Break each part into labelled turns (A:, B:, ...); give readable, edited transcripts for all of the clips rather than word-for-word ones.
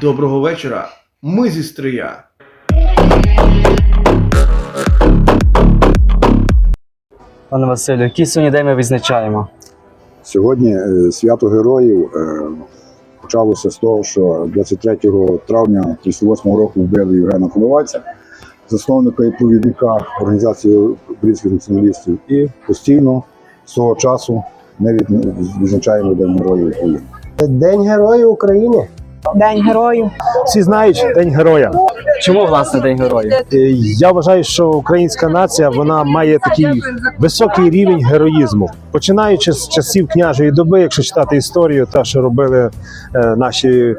A: Доброго вечора. Ми зі Стрия.
B: Пане Василю, який сьогодні день ми відзначаємо?
C: Сьогодні свято героїв почалося з того, що 23 травня 1938 року вбили Євгена Коновальця, засновника і провідника організації українських націоналістів. І постійно з того часу ми відзначаємо День Героїв України.
D: День Героїв України.
E: День героїв.
D: Всі знають День Героя.
B: Чому, власне, День Героїв?
D: Я вважаю, що українська нація вона має такий високий рівень героїзму. Починаючи з часів княжої доби, якщо читати історію, те, що робили наші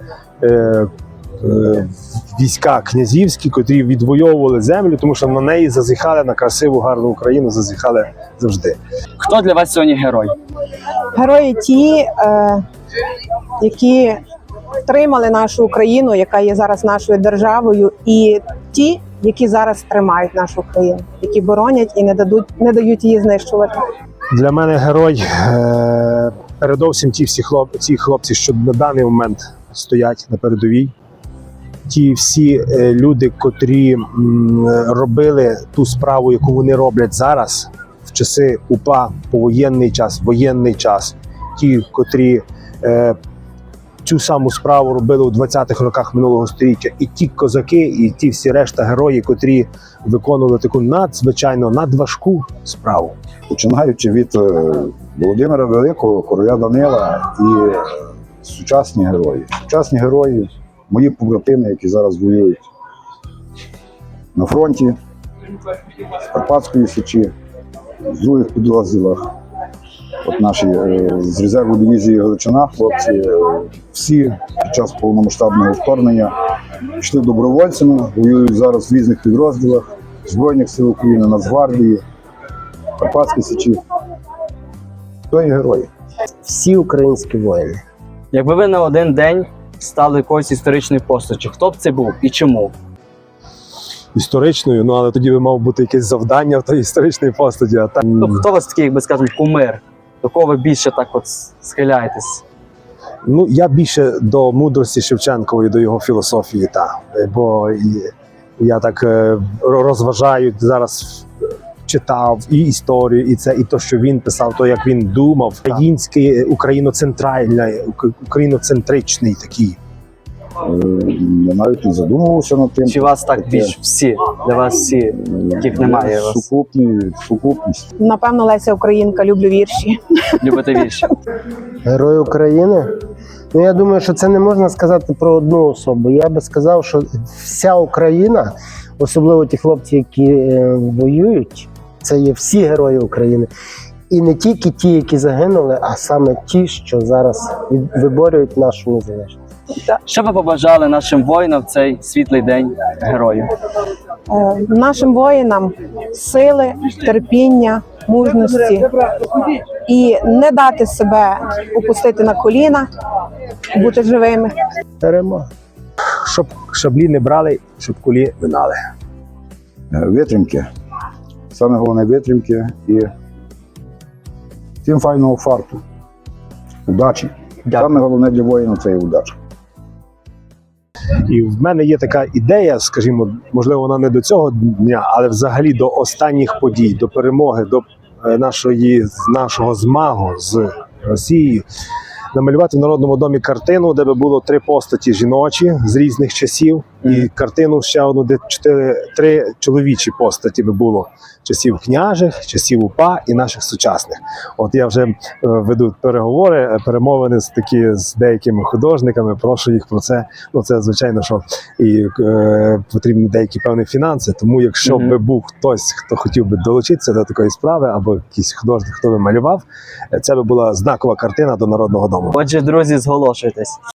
D: війська князівські, котрі відвоювали землю, тому що на неї зазіхали, на красиву, гарну Україну зазіхали завжди.
B: Хто для вас сьогодні герой?
E: Герої ті, які втримали нашу Україну, яка є зараз нашою державою, і ті, які зараз тримають нашу країну, які боронять і не дають її знищувати.
D: Для мене герой передовсім ті хлопці, що на даний момент стоять на передовій. Ті всі люди, котрі робили ту справу, яку вони роблять зараз, в часи УПА, воєнний час. Ті, котрі цю саму справу робили у 20-х роках минулого століття. І ті козаки, і ті всі решта герої, котрі виконували таку надзвичайно надважку справу.
C: Починаючи від Володимира Великого, короля Данила і сучасні герої. Сучасні герої, мої побратими, які зараз воюють на фронті, в Карпатської Січі, в других підрозділах. От наші з резерву дивізії Галичина, хлопці, всі під час повномасштабного вторгнення пішли добровольцями, воюють зараз в різних підрозділах Збройних сил України, Нацгвардії, Карпатській Січі. То є герої.
D: Всі українські воїни.
B: Якби ви на один день стали якоюсь історичною постаттю, хто б це був і чому?
D: Історичною, але тоді би мав бути якесь завдання в тій історичній постаті. А так...
B: Хто у вас такий, як би скажемо, кумир? До кого ви більше так от схиляєтесь?
D: Я більше до мудрості Шевченкової, до його філософії, бо я так розважаю, зараз читав і історію, і це, і то, що він писав, то, як він думав. Український, україноцентричний такий.
C: Я навіть не задумувався над тим.
B: Чи вас так більш всі? Для вас всі, яких немає вас?
C: Сукупність.
E: Напевно, Леся Українка, люблю вірші.
B: Любите вірші?
F: Герой України? Я думаю, що це не можна сказати про одну особу. Я би сказав, що вся Україна, особливо ті хлопці, які воюють, це є всі герої України. І не тільки ті, які загинули, а саме ті, що зараз виборюють нашу незалежність.
B: Що ви побажали нашим воїнам в цей світлий день героїв?
E: Нашим воїнам сили, терпіння, мужності і не дати себе опустити на коліна, бути живими.
F: Перемога.
D: Щоб шаблі не брали, щоб кулі минали.
C: Витримки. Саме головне витримки і тим файного фарту. Удачі. Саме головне для воїна – це і удача.
D: І в мене є така ідея, скажімо, можливо, вона не до цього дня, але взагалі до останніх подій, до перемоги, до нашого змагу з Росією, намалювати в Народному домі картину, де би було 3 постаті жіночі з різних часів, і картину ще одну, де 3 чоловічі постаті би було часів княжих, часів УПА і наших сучасних. От я вже веду перемовини з деякими художниками, прошу їх про це. Це звичайно, що і потрібні деякі певні фінанси, тому якщо би був хтось, хто хотів би долучитися до такої справи, або якийсь художник, хто би малював, це би була знакова картина до Народного дому.
B: Отже, друзі, зголошуйтесь.